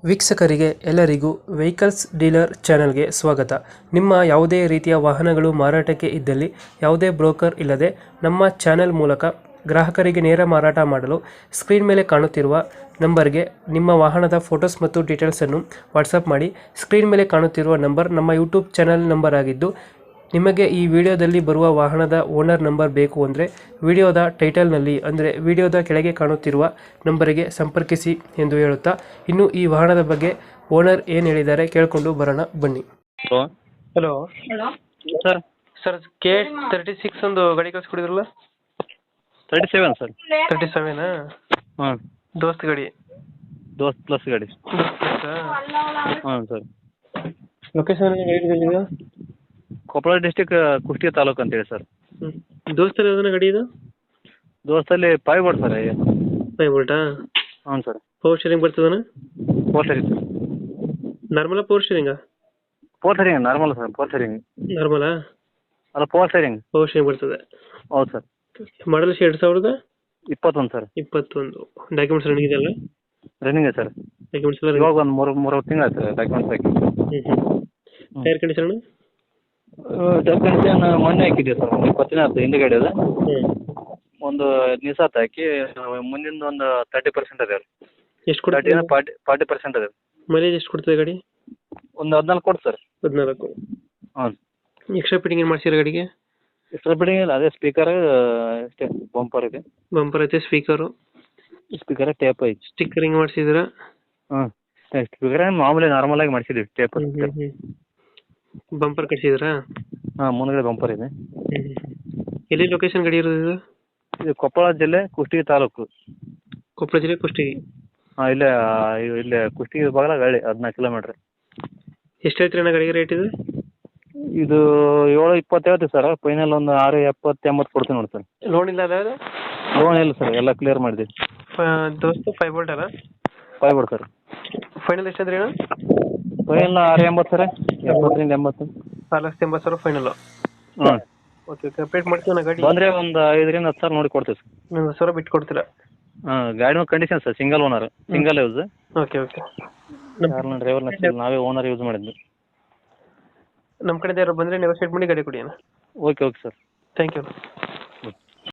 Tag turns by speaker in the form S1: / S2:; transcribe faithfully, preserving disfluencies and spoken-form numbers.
S1: ವೀಕ್ಷಕರಿಗೆ ಎಲ್ಲರಿಗೂ vehicles dealer ಚಾನೆಲ್ಗೆ ಸ್ವಾಗತ. ನಿಮ್ಮ ಯಾವುದೇ ರೀತಿಯ ವಾಹನಗಳು ಮಾರಾಟಕ್ಕೆ ಇದ್ದಲ್ಲಿ ಯಾವುದೇ ಬ್ರೋಕರ್ ಇಲ್ಲದೆ ನಮ್ಮ ಚಾನೆಲ್ ಮೂಲಕ ಗ್ರಾಹಕರಿಗೆ ನೇರ ಮಾರಾಟ ಮಾಡಲು ಸ್ಕ್ರೀನ್ ಮೇಲೆ ಕಾಣುತ್ತಿರುವ ನಂಬರ್ಗೆ ನಿಮ್ಮ ವಾಹನದ ಫೋಟೋಸ್ ಮತ್ತು ಡೀಟೇಲ್ಸನ್ನು ವಾಟ್ಸಪ್ ಮಾಡಿ. ಸ್ಕ್ರೀನ್ ಮೇಲೆ ಕಾಣುತ್ತಿರುವ ನಂಬರ್ ನಮ್ಮ ಯೂಟ್ಯೂಬ್ ಚಾನೆಲ್ ನಂಬರ್ ಆಗಿದ್ದು, ನಿಮಗೆ ಈ ವಿಡಿಯೋದಲ್ಲಿ ಬರುವ ವಾಹನದ ಓನರ್ ನಂಬರ್ ಬೇಕು ಅಂದರೆ ವಿಡಿಯೋದ ಟೈಟಲ್ನಲ್ಲಿ ಅಂದರೆ ವಿಡಿಯೋದ ಕೆಳಗೆ ಕಾಣುತ್ತಿರುವ ನಂಬರಿಗೆ ಸಂಪರ್ಕಿಸಿ ಎಂದು ಹೇಳುತ್ತಾ, ಇನ್ನು ಈ ವಾಹನದ ಬಗ್ಗೆ ಓನರ್ ಏನು ಹೇಳಿದ್ದಾರೆ ಕೇಳಿಕೊಂಡು ಬರೋಣ ಬನ್ನಿ.
S2: Hello
S1: hello
S2: hello sir
S1: sir, K thirty six ಒಂದು ಗಾಡಿ ಕಳಿಸ್ಕೊಡಿದ್ರಲ್ಲ?
S2: Thirty seven sir.
S1: ತರ್ಟಿ ಸೆವೆನಾ?
S2: ಹಾಂ,
S1: ದೋಸ್ತ್ ಗಾಡಿ?
S2: ದೋಸ್ತ್ ಪ್ಲಸ್ ಗಾಡಿ. ಹಾಂ ಸರ್.
S1: ಲೊಕೇಶನ್ ಹೇಳಿದ್ರೆ
S2: ಕೊಪ್ಪಳ ಡಿಸ್ಟಿಕ್ ಕುಷ್ಟಗಿ ತಾಲೂಕು ಅಂತೇಳಿ ಸರ್.
S1: ಹ್ಞೂ ದೋಸ್ತಲ್ಲಿ ಯಾವ್ದನ ಗಾಡಿ ಇದು?
S2: ದೋಸ್ತಲ್ಲಿ ಫೈವ್ ಬೋರ್ಡ್ ಸರ್.
S1: ಫೈವ್ ಬೋಲ್ಟಾ?
S2: ಹ್ಞೂ ಸರ್.
S1: ಪವರ್ ಶೇರಿಂಗ್ ಬರ್ತದನ?
S2: Four steering sir.
S1: ನಾರ್ಮಲಾ ಪವರ್ ಶೇರಿಂಗಾ?
S2: Four steering normal sir. Four steering
S1: ನಾರ್ಮಲಾ?
S2: ಅಲ್ಲ, ಫೋರ್ ಸರಿಂಗ್.
S1: ಪವರ್ ಶೇರಿಂಗ್ ಬರ್ತದೆ.
S2: ಹೌದು ಸರ್.
S1: ಮಾಡಲ್ ಎರಡು ಸಾವಿರದ
S2: ಇಪ್ಪತ್ತೊಂದು ಸರ್.
S1: ಇಪ್ಪತ್ತೊಂದು. ಡಾಕ್ಯುಮೆಂಟ್ಸ್ ರನ್ನಿಂಗ್ ಇದೆಯಲ್ಲ?
S2: Running sir.
S1: ಡಾಕ್ಯುಮೆಂಟ್ಸ್ ಎಲ್ಲ
S2: ಇವಾಗ ಒಂದು ಮೂರು ಮೂರು ತಿಂಗಳು ಆಯ್ತು ಸರ್ ಡಾಕ್ಯುಮೆಂಟ್ಸ್ ಹಾಕಿ.
S1: ಹ್ಞೂ ಹ್ಞೂ ಟೈರ್ ಕಂಡೀಷನ್?
S2: ಡಾಕ್ಯುಮೆಂಟ್ಸ್ ಮೊನ್ನೆ ಹಾಕಿದ್ದೀವಿ ಸರ್. ಒಂದು ಇಪ್ಪತ್ತು ದಿನ ಆಯ್ತು ಹಿಂದುಗಡೆ ಅದು.
S1: ಹ್ಞೂ
S2: ಒಂದು ಹದಿನೈದು ಸಾತ್ ಹಾಕಿ ಮುಂದಿನ ಒಂದು ತರ್ಟಿ ಪರ್ಸೆಂಟ್ ಅದೇ ರೀ.
S1: ಎಷ್ಟು ಕೊಡ್ತದೆ?
S2: ತರ್ಟಿನ ಫಾರ್ಟಿ ಫಾರ್ಟಿ ಪರ್ಸೆಂಟ್ ಅದೇ.
S1: ಮೈಲೇಜ್ ಎಷ್ಟು ಕೊಡ್ತದೆ ಗಾಡಿ?
S2: ಒಂದು ಹದಿನಾಲ್ಕು ಕೊಡು ಸರ್.
S1: ಹದಿನಾಲ್ಕು.
S2: ಹ್ಞೂ.
S1: ಎಕ್ಸ್ಟ್ರಾ ಫಿಟ್ಟಿಂಗ್ ಏನು ಮಾಡ್ಸಿರೋ ಗಾಡಿಗೆ?
S2: ಎಕ್ಸ್ಟ್ರಾ ಫಿಟ್ಟಿಂಗ್ ಇಲ್ಲ, ಅದೇ ಸ್ಪೀಕರ್ ಅಷ್ಟೇ. ಬಂಪರ್ ಇದೆ.
S1: ಬಂಪರ್ ಐತೆ, ಸ್ಪೀಕರು
S2: ಸ್ಪೀಕರ್ ಟೇಪ್ ಐತಿ.
S1: ಸ್ಟಿಕ್ಕರಿಂಗ್ ಮಾಡಿಸಿದ್ದೀರಾ?
S2: ಹ್ಞೂ, ಸ್ಪೀಕರ್ ಮಾಮೂಲಿ ನಾರ್ಮಲ್ ಆಗಿ ಮಾಡಿಸಿದ್ದೀವಿ ಟೇಪ್.
S1: ಹ್ಞೂ ಹ್ಞೂ ಬಂಪರ್ ಕಟ್ಸಿದ್ದೀರಾ?
S2: ಹಾಂ, ಮುಂದ್ಗಡೆ ಬಂಪರ್ ಇದೆ.
S1: ಹ್ಞೂ ಎಲ್ಲಿ ಲೊಕೇಶನ್ ಗಾಡಿ ಇರೋದು ಇದು?
S2: ಇದು ಕೊಪ್ಪಳ ಜಿಲ್ಲೆ ಕುಷ್ಟಗಿ ತಾಲೂಕು.
S1: ಕೊಪ್ಪಳ ಜಿಲ್ಲೆ ಕುಷ್ಟಗಿ?
S2: ಹಾಂ, ಇಲ್ಲೇ ಇ- ಇಲ್ಲೇ ಕುಷ್ಟಗಿ ಬಾಗಲ ಹಳ್ಳಿ ಹದಿನಾಲ್ಕು ಕಿಲೋಮೀಟ್ರ್.
S1: ಎಷ್ಟು ಹೇಳ್ತೀರಿ ಅಣ್ಣ ಗಾಡಿಗೆ ರೇಟ್ ಇದು?
S2: ಇದು ಏಳು ಇಪ್ಪತ್ತು ಹೇಳ್ತೀವಿ ಸರ್. ಫೈನಲ್ ಒಂದು ಆರು ಎಪ್ಪತ್ತು ಎಂಬತ್ತು ಕೊಡ್ತೀವಿ ನೋಡಿ ಸರ್.
S1: ಲೋನ್ ಇಲ್ಲ ಅಲ್ಲ?
S2: ಲೋನ್ ಇಲ್ಲ ಸರ್, ಎಲ್ಲ ಕ್ಲಿಯರ್ ಮಾಡಿದ್ದೀವಿ.
S1: ದೋಸ್ತು ಫೈವ್ ಬೋಲ್ಟ್ ಅಲ್ಲ?
S2: Five board sir.
S1: ಫೈನಲ್ ಎಷ್ಟಾದ್ರಿ ಅಣ್ಣ?
S2: ಫೈನಲ್ ಆರು ಎಂಬತ್ತು ಸರ್. ಎಪ್ಪತ್ತರಿಂದ ಎಂಬತ್ತು.
S1: ಆರು ಲಕ್ಷದ ಎಂಬತ್ತು ಸಾವಿರ ಫೈನಲು?
S2: ಹ್ಞೂ.
S1: ಓಕೆ ಓಕೆ ಅಪ್ಡೇಟ್ ಮಾಡ್ತೀವಿ ಗಾಡಿ.
S2: ಬಂದರೆ ಒಂದು ಐದರಿಂದ ಹತ್ತು ಸಾವಿರ ನೋಡಿ ಕೊಡ್ತೀವಿ ಸರ್.
S1: ಒಂದು ಸಾವಿರ ಬಿಟ್ಟು ಕೊಡ್ತೀರಾ?
S2: ಹಾಂ, ಗಾಡಿನೂ condition sir. Single owner, single use.
S1: Okay okay
S2: ಯಾರನ್ನ ಡ್ರೈವರ್ನ ನಾವೇ ಓನರ್ ಯೂಸ್ ಮಾಡಿದ್ವಿ.
S1: ನಮ್ಮ ಕಡೆಯಿಂದ ಯಾರು ಬಂದರೆ ನೆಗೋಸಿಯೇಟ್ ಮಾಡಿ ಗಾಡಿ ಕೊಡಿ ಅಣ್ಣ.
S2: Okay okay sir.
S1: Thank you.